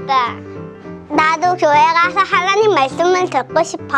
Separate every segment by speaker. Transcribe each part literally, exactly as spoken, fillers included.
Speaker 1: 그러니까 나도 교회 가서 하나님 말씀을 듣고 싶어.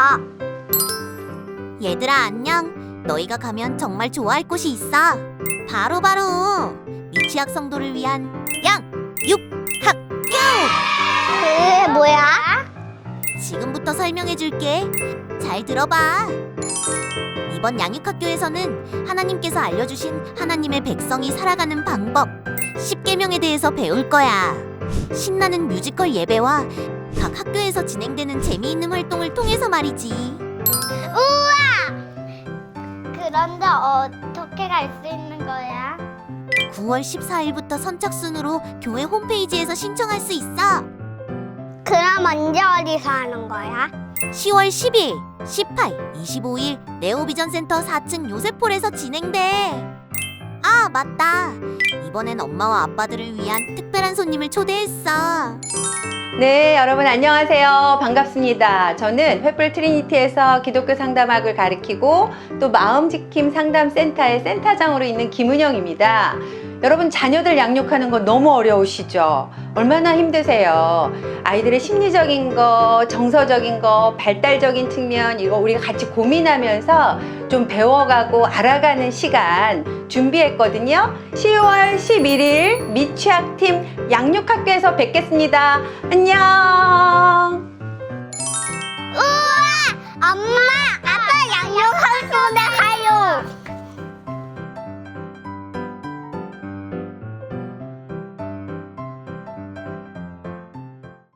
Speaker 2: 얘들아 안녕. 너희가 가면 정말 좋아할 곳이 있어. 바로 바로 미취학 성도를 위한 양육학교.
Speaker 1: 그게 뭐야?
Speaker 2: 지금부터 설명해 줄게. 잘 들어봐. 이번 양육학교에서는 하나님께서 알려주신 하나님의 백성이 살아가는 방법 십 계명에 대해서 배울 거야. 신나는 뮤지컬 예배와 각 학교에서 진행되는 재미있는 활동을 통해서 말이지.
Speaker 1: 우와! 그런데 어떻게 갈 수 있는 거야?
Speaker 2: 구월 십사일부터 선착순으로 교회 홈페이지에서 신청할 수 있어.
Speaker 1: 그럼 언제 어디서 하는 거야?
Speaker 2: 시월 십일, 십팔, 이십오일 네오비전 센터 사 층 요셉홀에서 진행돼. 아, 맞다. 이번엔 엄마와 아빠들을 위한 특별한 손님을 초대했어.
Speaker 3: 네, 여러분 안녕하세요. 반갑습니다. 저는 횃불 트리니티에서 기독교 상담학을 가르치고 또 마음지킴 상담센터의 센터장으로 있는 김은영입니다. 여러분 자녀들 양육하는 거 너무 어려우시죠? 얼마나 힘드세요? 아이들의 심리적인 거, 정서적인 거, 발달적인 측면 이거 우리가 같이 고민하면서 좀 배워가고 알아가는 시간 준비했거든요. 시월 십일일 미취학팀 양육학교에서 뵙겠습니다. 안녕.